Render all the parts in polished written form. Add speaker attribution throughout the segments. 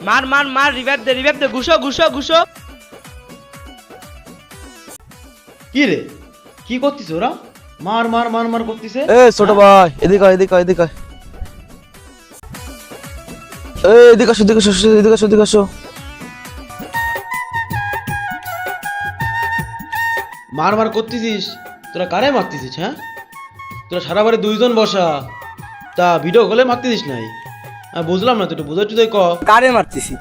Speaker 1: মার মার মার, রিভাইভ দে, ঘুষো ঘুষো ঘুষো।
Speaker 2: কি রে, কি করতিস ওরা? মার মার মার মার করতিছে।
Speaker 3: এ ছোট ভাই, এদিকে আয়, এদিকে আয়, এদিকে আয়। এদিকে আসো, এদিকে আসো, এদিকে আসো, এদিকে আসো।
Speaker 2: মার মার করতেছিস, তোরা কারে মারতেছিস? হ্যাঁ, তোরা সারা বাড়ি দুইজন বসা, তা ভিডিও কলে মারতেছিস নাই? বুঝলাম না, তুই একটু বুঝাচ্ছি তাই ক।
Speaker 4: কারে মারতেছি?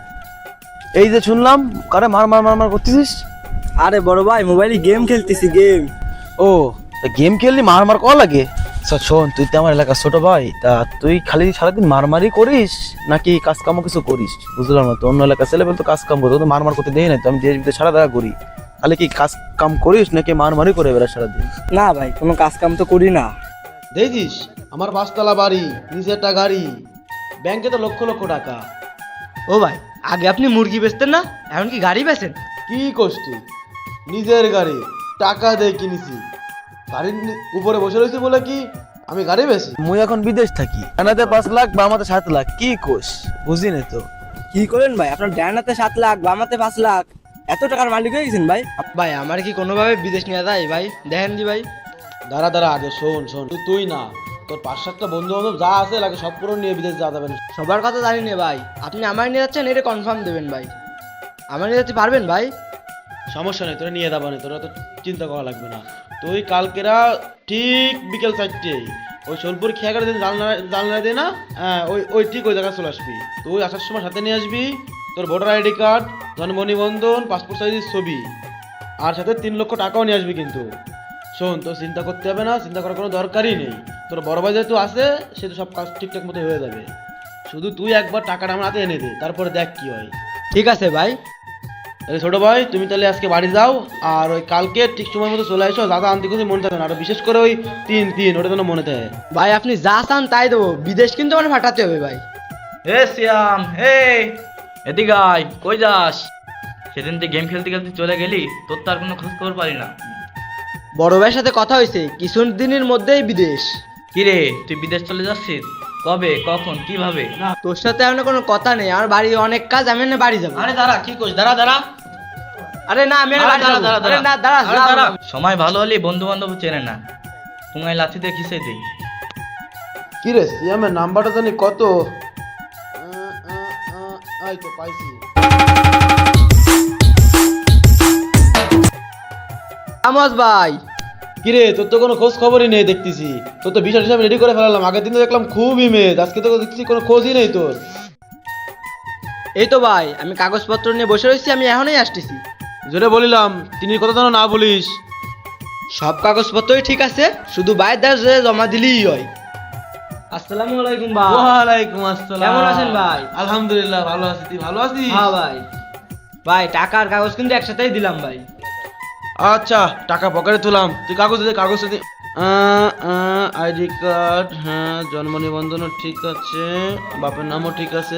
Speaker 3: এই যে শুনলাম কারে মার মার মার মার করতেছিস।
Speaker 4: আরে বড় ভাই, মোবাইলে গেম খেলতেছি, গেম।
Speaker 3: ও, গেম খেললি মার মার করা লাগে? আচ্ছা শোন, তুই তো আমার এলাকার ছোট ভাই, তা তুই খালি সারাদিন মারমারি করিস নাকি কাজ কামও কিছু করিস? বুঝলাম না তো, অন্য এলাকার ছেলে তো কাজ কাম করতো, তো মারমার করতে দেই না তো। আমি দেশ বিদেশ সারা দেখা করি, খালি কি কাজ কাম করিস নাকি মারমারি করে বেড়া সারাদিন?
Speaker 4: না ভাই, কোনো কাজ কাম তো করি না।
Speaker 2: দেখছিস আমার 5 তলা বাড়ি, নিজেরটা গাড়ি, ব্যাংকে তো লক্ষ লক্ষ টাকা।
Speaker 1: ও ভাই, আগে আপনি মুরগি বেচতেন না, এখন কি গাড়ি বেচেন?
Speaker 2: কি করছ তুই? নিজের গাড়ি টাকা দিয়ে কিনেছি, গাড়ির উপরে বসে রয়েছি বলে কি আমি গাড়ি বেশি?
Speaker 3: মুই এখন বিদেশ থাকি, আনাতে 5 লাখ বা আমাতে 7 লাখ, কি কোষ বুঝি না তো।
Speaker 4: কি করেন ভাই? আপনার ডানাতে 7 লাখ, বামাতে 5 লাখ, এত টাকার মালিক হয়ে গেছেন ভাই।
Speaker 1: ভাই আমার কি কোনোভাবে বিদেশ নিয়ে যায় ভাই? দেখেন দি ভাই।
Speaker 2: দাঁড়া দাঁড়া, আগে শোন শোন, তুই না, তোর 5-7টা বন্ধু বান্ধব যা আছে লাগে সব পুরো নিয়ে বিদেশ যাওয়া যাবে না।
Speaker 1: সবার কথা জানি না ভাই, আপনি আমার নিয়ে যাচ্ছেন এটা কনফার্ম দেবেন ভাই। আমার নিয়ে যেতে পারবেন ভাই?
Speaker 2: সমস্যা নেই, তোরা নিয়ে যাবা না, তোরা তো চিন্তা করা লাগবে না। তুই কালকেরা ঠিক বিকেল 4টেই ওই সোলপুর খেয়াঘাটে জানলা দিয়ে না, হ্যাঁ ওই ওই ঠিক ওই জায়গায় চলে আসবি। তুই আসার সময় সাথে নিয়ে আসবি তোর ভোটার আইডি কার্ড, জন্ম নিবন্ধন, পাসপোর্ট সাইজের ছবি, আর সাথে 3 লক্ষ টাকাও নিয়ে আসবি। কিন্তু শোন, তোর চিন্তা করতে হবে না, চিন্তা করার কোনো দরকারই নেই। তোর বড় ভাই যেহেতু আছে, সে তো সব কাজ ঠিকঠাক মতো হয়ে যাবে। শুধু তুই একবার টাকাটা আমার হাতে এনে দে, তারপরে দেখ কি হয়।
Speaker 1: ঠিক আছে ভাই।
Speaker 2: তাহলে ছোট ভাই, তুমি তাহলে আজকে বাড়ি যাও, আর ওই কালকে ঠিক সময় মতো চলে আসো। দাদা আনতে কিছু মনে থাকে না, আর বিশেষ করে ওই 3 ওটা যেন মনে থাকে।
Speaker 1: ভাই আপনি যা চান তাই দেবো, বিদেশ কিন্তু আমার পাঠাতে হবে ভাই।
Speaker 5: হে শ্যাম, হে এদিকে আয়। কই যাস? সেদিন তুই গেম খেলতে খেলতে চলে গেলি, তোর তো আর কোনো খোঁজ খবর পারি না।
Speaker 1: বড় ভাইয়ের সাথে কথা হয়েছে, কিছু দিনের মধ্যেই বিদেশ।
Speaker 5: কিরে, তুই বিদেশ চলে যাচ্ছিস? কবে, কখন, কিভাবে?
Speaker 1: না, তোর সাথে এখন কোনো কথা নেই, আমার বাড়ি অনেক কাজ, আমি না বাড়ি যাবো।
Speaker 5: আরে দাঁড়া, কি করিস? দাঁড়া দাঁড়া
Speaker 1: আরে না, আমি আর
Speaker 5: আরে
Speaker 1: বাড়ি
Speaker 5: দাঁড়া
Speaker 1: যাবো।
Speaker 5: দাঁড়া
Speaker 1: আরে না,
Speaker 5: দাঁড়া,
Speaker 1: দাঁড়া,
Speaker 5: আরে দাঁড়া।
Speaker 1: দাঁড়া।
Speaker 5: সময় ভালো হলে বন্ধু বান্ধব চেনে না, তোমায় লাথি দিয়ে খিসে দিই।
Speaker 2: কি রে, সিয়ামের নাম্বারটা জানি কত? এই তো পাইছি।
Speaker 1: আমজ ভাই,
Speaker 2: কি রে, তোর তো কোনো খোঁজ খবরই নেই দেখতেছি। তোর তো বিষয় হিসাবে রেডি করে ফেলালাম, আগের দিন তো দেখলাম খুব ইমেজ, আজকে তো দেখতেছি কোনো খোঁজই নেই তোর।
Speaker 1: এই তো ভাই, আমি কাগজপত্র নিয়ে বসে রয়েছি, আমি এখনই আসতেছি।
Speaker 2: যেটা বলিলাম, তিনি কথা যেন না বলিস।
Speaker 1: সব কাগজপত্রই ঠিক আছে, শুধু বাইরের দেশে জমা দিলেই হয়। আসসালামু আলাইকুম ভাই।
Speaker 2: ওয়ালাইকুম আসসালাম।
Speaker 1: কেমন আছেন ভাই?
Speaker 2: আলহামদুলিল্লাহ ভালো আছি, তুই ভালো আছিস?
Speaker 1: হ্যাঁ ভাই। ভাই টাকার কাগজ কিন্তু একসাথেই দিলাম ভাই।
Speaker 2: আচ্ছা, টাকা পকেটে তুলাম, তুই কাগজ দে, কাগজ দে। আইডি কার্ড, হ্যাঁ, জন্ম নিবন্ধনও ঠিক আছে, বাপের নামও ঠিক আছে,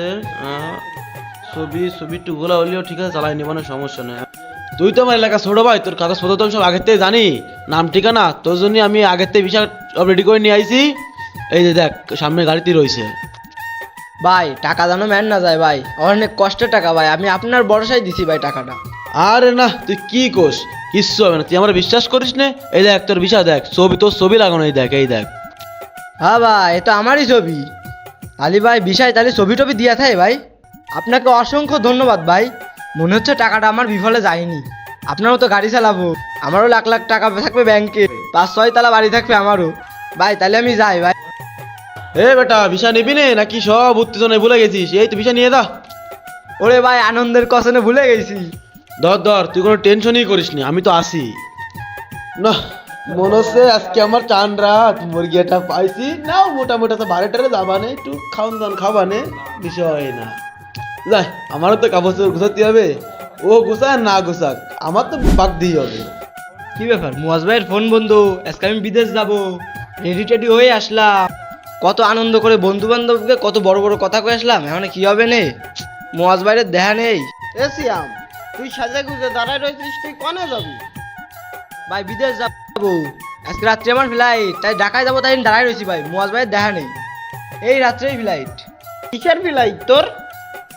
Speaker 2: ছবি টুগুলা হলেও ঠিক আছে, চালাই নিবানো সমস্যা নেই। তুই তো আমার এলাকা ছোট ভাই, তোর কাগজপত্র তো আমি সব আগের থেকে জানি, নাম ঠিকানা তোর জন্য আমি আগের থেকে বিষয় সব রেডি করে নিয়ে আইছি। এই যে দেখ, সামনে গাড়িতে রয়েছে।
Speaker 1: ভাই টাকা যেন ম্যান না যায় ভাই, অনেক কষ্টের টাকা ভাই, আমি আপনার ভরসায় দিছি ভাই টাকাটা।
Speaker 2: আরে না, তুই কি কোস, কিচ্ছু হবে না, তুই আমার বিশ্বাস করিস না। এই দেখ তোর বিষয় দেখ, তোর ছবি লাগানো, এই দেখ, এই দেখ।
Speaker 1: হ্যাঁ ভাই, এ তো আমারই ছবি। আলি ভাই বিষয় তাহলে ছবি টবি দিয়া থাকে ভাই। আপনাকে অসংখ্য ধন্যবাদ ভাই। মনে হচ্ছে টাকাটা আমার বিফলে যায়নি। আপনারও তো গাড়ি চালাবো, আমারও লাখ লাখ টাকা থাকবে ব্যাংকে, 5-6 তলা বাড়ি থাকবে আমারও। ভাই তাহলে আমি যাই ভাই।
Speaker 2: এ বেটা, ভিসা নিবি নে নাকি সব উত্তেজনায় ভুলে গেছিস? এই তো ভিসা নিয়ে দা।
Speaker 1: ওরে ভাই, আনন্দের কসনে ভুলে গেছি।
Speaker 2: ধর, তুই কোনো টেনশনই করিস নি, আমি তো আসি না। মনে হচ্ছে আজকে আমার চান রাত, মুরগিটা পাইছি না, মোটামুটি তো বারেটারে যাবানে, একটু খাওয়ান দান খাবানে, বিষয় না। যাই, আমারও তো কাগজ গুছাতে হবে, ও গুছাক না গুছাক, আমার তো বাদ দিয়ে হবে।
Speaker 1: কি ব্যাপার, মুয়াজ ভাইয়ের ফোন বন্ধ, আজকে আমি বিদেশ যাব, রেডি টেডি হয়ে আসলাম, কত আনন্দ করে বন্ধু বান্ধবকে কত বড় বড় কথা কয়ে আসলাম, এখন কি হবে নে? মুয়াজ ভাইয়ের দেখা নেই।
Speaker 4: এ সিয়াম, তুই সাজে গুজে দাঁড়ায় রয়েছিস, তুই কনে যাবি?
Speaker 1: ভাই বিদেশ যাবো, আজকে রাত্রে আমার ফ্লাইট, তাই ঢাকায় যাবো, তাই দাঁড়াই রয়েছি ভাই, মুয়াজ ভাইয়ের দেখা নেই, এই রাত্রেই ফ্লাইট।
Speaker 4: কিসের ফ্লাইট তোর?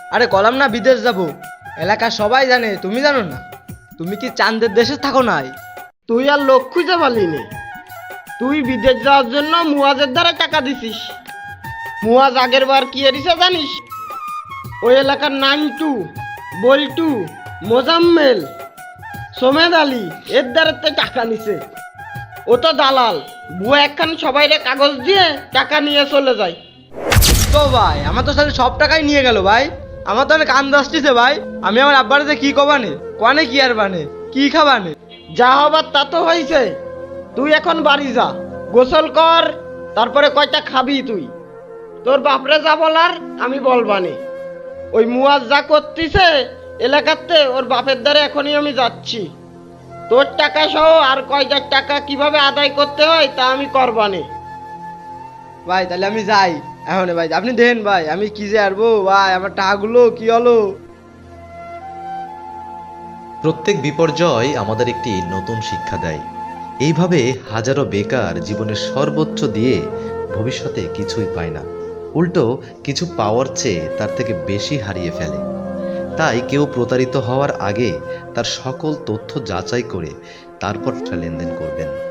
Speaker 1: আরে কলাম না বিদেশ যাব, এলাকার সবাই জানে, তুমি জানো না? তুমি কি চাঁদের দেশে থাকো নাই?
Speaker 6: তুই আর লোক খুঁজে পালিনি। তুই বিদেশ যাওয়ার জন্য মুয়াজের দ্বারা টাকা দিছিস। মুয়াজ আগের বার কি এরিছে জানিস? ওই এলাকার নান্টু, বল্টু, মোজাম্মেল, সোমেদ আলী এর দ্বারাতে টাকা নিছে। ও তো দালাল, বুয়া একখান সবাইরে কাগজ দিয়ে টাকা নিয়ে চলে যায়।
Speaker 1: তো ভাই আমার তো তাহলে সব টাকাই নিয়ে গেল ভাই। আমার তো অনেক আন্দাজ আসতেছে ভাই। আমি আমার আব্বারে যে কি কবানে, কনে কি আর বানে, কি খাবানে?
Speaker 6: যা হবার তা তো হয়েছে। তুই এখন বাড়ি যা, গোসল কর, তারপরে কয়টা খাবি তুই। তোর বাপরে যা বলার আমি বলবানি। ওই মুয়াজ যা করতিছে এলাকাতে, ওর বাপের দ্বারা এখনই আমি যাচ্ছি। তোর টাকা সহ আর কয়টার টাকা কিভাবে আদায় করতে হয় তা আমি করবানি।
Speaker 1: ভাই তাহলে আমি যাই এখন ভাই। আপনি দেখেন ভাই আমি কি যে আরবো ভাই, আমার টাকাগুলো কি হলো?
Speaker 7: প্রত্যেক বিপর্যয় আমাদের একটি নতুন শিক্ষা দেয়। এইভাবে হাজারো বেকার জীবনের সর্বোচ্চ দিয়ে ভবিষ্যতে কিছুই পায় না, উল্টো কিছু পাওয়ার চেয়ে তার থেকে বেশি হারিয়ে ফেলে। তাই কেউ প্রতারিত হওয়ার আগে তার সকল তথ্য যাচাই করে তারপর লেনদেন করবেন।